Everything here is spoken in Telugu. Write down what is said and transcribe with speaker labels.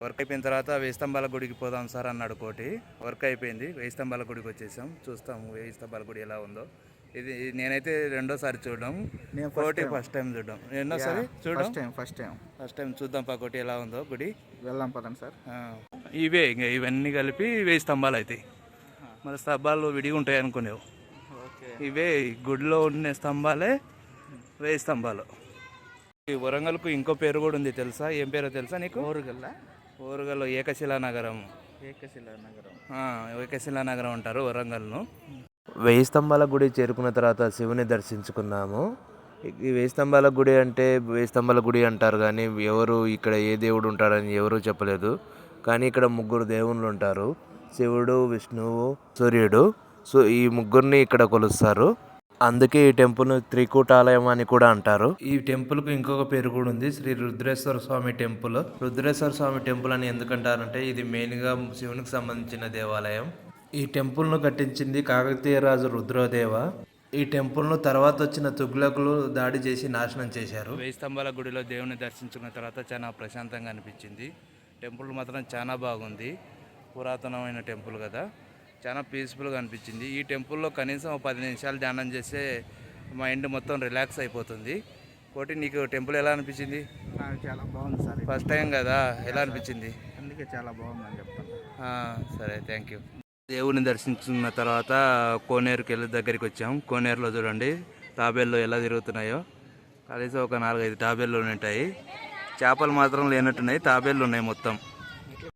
Speaker 1: వర్క్ అయిపోయిన తర్వాత వేయి స్తంభాల గుడికి పోదాం సార్ అన్నాడు కోటి. వర్క్ అయిపోయింది, వేయి స్తంభాల గుడికి వచ్చేసాం. చూస్తాము వేయి స్తంభాల గుడి ఎలా ఉందో. ఇది నేనైతే రెండోసారి చూడడం, కోటి ఫస్ట్ టైం చూడడం. ఎన్నోసారి చూడడం? ఫస్ట్ టైం చూద్దాం కోటి ఎలా ఉందో గుడి.
Speaker 2: వెళ్దాం పదండి సార్.
Speaker 1: ఇవే ఇంకా ఇవన్నీ కలిపి వేయి స్తంభాలు అవుతాయి. మన స్తంభాలు విడిగా ఉంటాయి అనుకునేవు, ఇవే గుడిలో ఉన్న స్తంభాలే వేయి స్తంభాలు. ఈ వరంగల్కు ఇంకో పేరు కూడా ఉంది తెలుసా? ఏం పేరో తెలుసా నీకు? ఓరుగల్ ఏకశిలానగరం. ఏకశిలానగరం అంటారు వరంగల్ను.
Speaker 3: వెయ్యి స్తంభాల గుడి చేరుకున్న తర్వాత శివుని దర్శించుకున్నాము. ఈ వెయ్యి స్తంభాల గుడి అంటే వెయ్యి స్తంభాల గుడి అంటారు, కానీ ఎవరు ఇక్కడ ఏ దేవుడు ఉంటాడని ఎవరూ చెప్పలేదు. కానీ ఇక్కడ ముగ్గురు దేవుళ్ళు ఉంటారు, శివుడు, విష్ణువు, సూర్యుడు. సో ఈ ముగ్గురిని ఇక్కడ కొలుస్తారు. అందుకే ఈ టెంపుల్ త్రికూటాలయం అని కూడా అంటారు. ఈ టెంపుల్ కు ఇంకొక పేరు కూడా ఉంది, శ్రీ రుద్రేశ్వర స్వామి టెంపుల్. రుద్రేశ్వర స్వామి టెంపుల్ అని ఎందుకంటారంటే ఇది మెయిన్ గా శివునికి సంబంధించిన దేవాలయం. ఈ టెంపుల్ ను కట్టించింది కాకతీయ రాజు రుద్రదేవ. ఈ టెంపుల్ ను తర్వాత వచ్చిన తుగ్లకులు దాడి చేసి నాశనం చేశారు.
Speaker 1: వేయి స్తంభాల గుడిలో దేవుని దర్శించుకున్న తర్వాత చాలా ప్రశాంతంగా అనిపించింది. టెంపుల్ మాత్రం చాలా బాగుంది, పురాతనమైన టెంపుల్ కదా, చాలా పీస్ఫుల్గా అనిపించింది. ఈ టెంపుల్లో కనీసం 10 నిమిషాలు ధ్యానం చేస్తే మైండ్ మొత్తం రిలాక్స్ అయిపోతుంది. కోటి, నీకు టెంపుల్ ఎలా అనిపించింది?
Speaker 2: చాలా బాగుంది సార్.
Speaker 1: ఫస్ట్ టైం కదా, ఎలా అనిపించింది?
Speaker 2: అందుకే చాలా బాగుందని చెప్తాను.
Speaker 1: సరే, థ్యాంక్ యూ. దేవుని దర్శించుకున్న తర్వాత కోనేరుకి దగ్గరికి వచ్చాం. కోనేరులో చూడండి తాబేళ్ళు ఎలా తిరుగుతున్నాయో. కనీసం ఒక 4-5 తాబేళ్ళు ఉంటాయి. చేపలు మాత్రం లేనట్టున్నాయి, తాబేళ్ళు ఉన్నాయి మొత్తం.